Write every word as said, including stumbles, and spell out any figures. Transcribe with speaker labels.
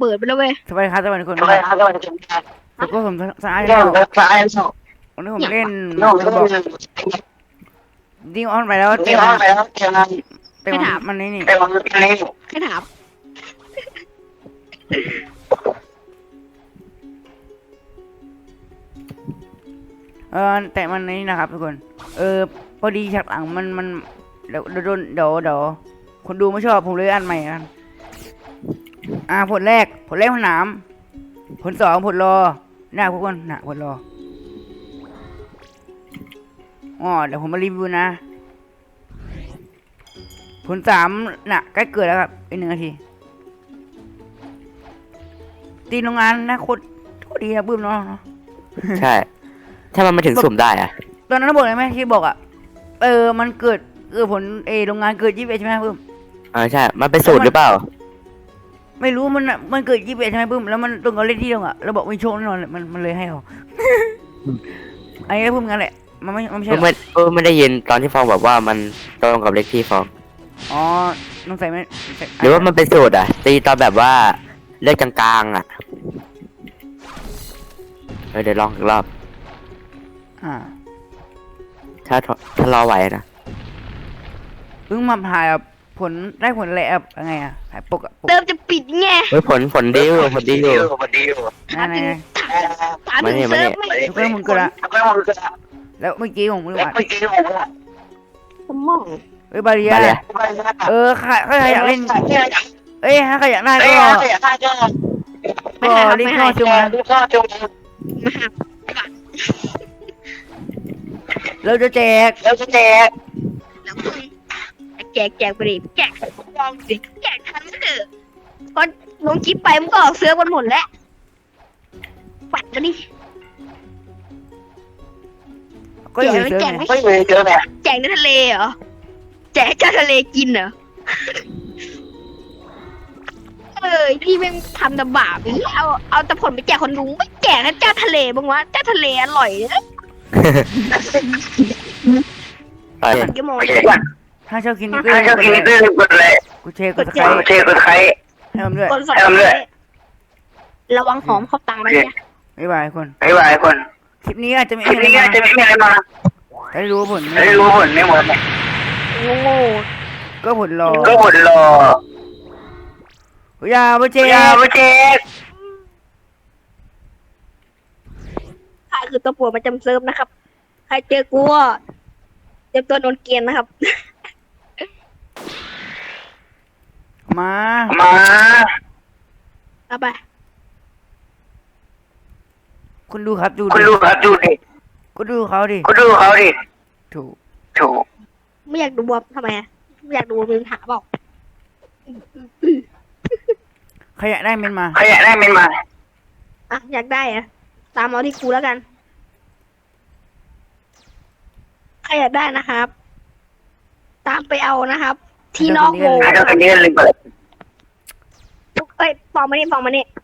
Speaker 1: ปิดไปแล้วเว้ย
Speaker 2: สวัสดีครับสวัสดีคน
Speaker 3: สวัสดีครับสวัสดีครับ
Speaker 2: แล้วก็ผมสาย
Speaker 3: เรื่องสายสอง
Speaker 2: วันนี้ผมเล่น
Speaker 3: เรื่องเรื่อง
Speaker 2: ดิ้งออนไปแล้วเต็
Speaker 3: ที่
Speaker 2: ม
Speaker 3: ห้องไปแล้วเจอกัน
Speaker 2: เต็มมันนี่นี่
Speaker 3: แต่วันนี้
Speaker 1: แค่ถาม
Speaker 2: เออแต่มันนี่นะครับทุกคนเออพอดีฉากหลังมันมันเดี๋ยวโดนเดี๋ยวเดี๋ยวคนดูไม่ชอบผมเลยอันใหม่กันอ่าผลแรกผลแรกผลหนามผลสองผลรอหน้าทุกคนหน้าผลรออ๋อเดี๋ยวผมมารีวิวนะผลสามน่ะใกล้เกิดแล้วครับอีกหนึ่งนาทีตีโรงงานนะโคตรโคตรดีนะปื้มเนาะ
Speaker 4: ใช่ ถ้ามันมาถึงสุ่มได้อะ
Speaker 2: ตอนนั้นบอกเลยไหมที่บอกอ่ะเออมันเกิดเออผลเอโรงงานเกิดยี่สิบเอ็ดใช่ไหมปื้ม
Speaker 4: เออใช่ มันเป็นสูตรหรือเปล่า
Speaker 2: ไม่รู้มันอะมันเกิดยี่สิบเอ็ดใช่ไหมปื้มแล้วมันตรงกับเลขที่ตรงอ่ะเราบอกไม่โชคแน่นอนเลยมันมันเลยให้เรา ไอ้ปื้มงั้นแหละมันไม่มันไม่ใช่
Speaker 4: ก็ไม่ก็ไม่ได้ยินตอนที่ฟองบอกว่ามันตรงกับเลขที่ฟอง
Speaker 2: อ๋อต้องใส่ไม่
Speaker 4: หรือว่ามันเป็นสูตรอ่ะ ตีตอนแบบว่าเลขกลางๆอ่ะเออเดี๋ยวลองอีกรอบ
Speaker 2: อ่า
Speaker 4: ถ้าถ้ารอไหวนะ
Speaker 2: เพิ่งมาถ่ายแบบผลได้ผลอะไรแบบยังไงอ่ะถ่ายปกอะปก
Speaker 1: เติมจะปิดไง
Speaker 4: เฮ้ยผลผลดีอยู่ผลดีอยู่
Speaker 3: พอดีอยู่
Speaker 1: ถาม
Speaker 2: นั่น
Speaker 1: ถึง
Speaker 2: ไง
Speaker 1: ถามถึงเซิร์ฟไม่
Speaker 2: ทุกคนมึงเกิดละ
Speaker 3: ก็มันก็
Speaker 2: แล้วเมื่อกี้ผมไม่รู้อ่ะ
Speaker 3: เมื่อกี้ผมว่า
Speaker 1: สมอง
Speaker 2: เอ้ยบาเรีย
Speaker 4: มาเลย
Speaker 2: เออใครใครอยากเล่นเอ้ยถ้าใครอยากได้
Speaker 3: เอ้
Speaker 2: ก็
Speaker 3: ยอยากได้ก็
Speaker 1: ไม่หา
Speaker 2: รีบ
Speaker 1: ไม่
Speaker 2: เข้า
Speaker 1: หา
Speaker 2: ชมมา
Speaker 3: ก็จง
Speaker 1: มาหา
Speaker 2: เราจะแจก
Speaker 3: แล้วจะแจก
Speaker 1: แล้วมึงแจกแจกไปดิแจกลองสิแจกทันเถอะพอลงคลิปไปมันก็ออกเซิร์ฟกันหมดแล้วปัดมาดิ
Speaker 2: ก็อยู่ในเซิร์ฟ
Speaker 1: แจก
Speaker 2: ไง
Speaker 1: ไม่
Speaker 3: ไม่เคยเจอแบบ
Speaker 1: แจกในทะเลเหรอแจกเจ้าทะเลกินเหรอเออพี่แม่งทำแต่บาปนี่เอาเอาแต่ผลไปแจกคนรู้ไม่แจกให้เจ้าทะเลบ้างวะเจ้าทะเลอร่อยนะ
Speaker 4: ไป
Speaker 1: กี่โมง
Speaker 3: ไม่ใช่
Speaker 2: ถ้าชอบกิน
Speaker 3: ถ้าชอบกินตื้อกดเลย
Speaker 2: กูเชร์กดส
Speaker 3: ใค
Speaker 2: ไค
Speaker 3: ร
Speaker 2: รต์
Speaker 3: เชฟกดใคร
Speaker 2: ให้ผมด้วย
Speaker 1: คนสอง
Speaker 3: เอาเลย
Speaker 1: ระวังหอมเข้าตังนะเนี่ย
Speaker 2: บ๊ายบายคน
Speaker 3: บ๊ายบายคน
Speaker 2: คลิปนี้อาจจะไม่
Speaker 3: คลิป
Speaker 2: มี
Speaker 3: นี้
Speaker 2: อะไร
Speaker 3: จะ
Speaker 2: มา
Speaker 3: ไม่มีอะไรมา
Speaker 2: ได้รู้ผล
Speaker 3: ไม่รู้ผลไม่หมด
Speaker 1: โง่
Speaker 2: ก็ผลรอ
Speaker 3: ก็ผลรอ
Speaker 2: อย่าไปเจ
Speaker 3: อย่าไปเช็ค
Speaker 1: ใครคือตัวปวดประจำเซิร์ฟนะครับ ใครเจอกูก็เตรียมตัวโดนเกลียนนะครับ
Speaker 2: มา
Speaker 3: มา
Speaker 1: เอาไป
Speaker 2: คุณดูครับดู
Speaker 3: คุณ
Speaker 2: ดิ
Speaker 3: ดูครับดูดิ
Speaker 2: ก็ดูเขาดิ
Speaker 3: คุณดูเขาดิ
Speaker 2: ถูก
Speaker 3: ถูก
Speaker 1: ไม่อยากดูบวมทำไมอะไม่อยากดูมึงหาบอก
Speaker 2: ใครอยากได้เมนมา
Speaker 3: ใครอยากได้เมนมา
Speaker 1: อ่ะอยากได้อะตามเอาที่กูแล้วกันใครอยากได้นะครับ ตามไปเอานะครับ ที่นอกวง
Speaker 3: ให้เราเป็นเดือนเลยเปิด
Speaker 1: เอ้ยฟองมานี่ฟองมานี่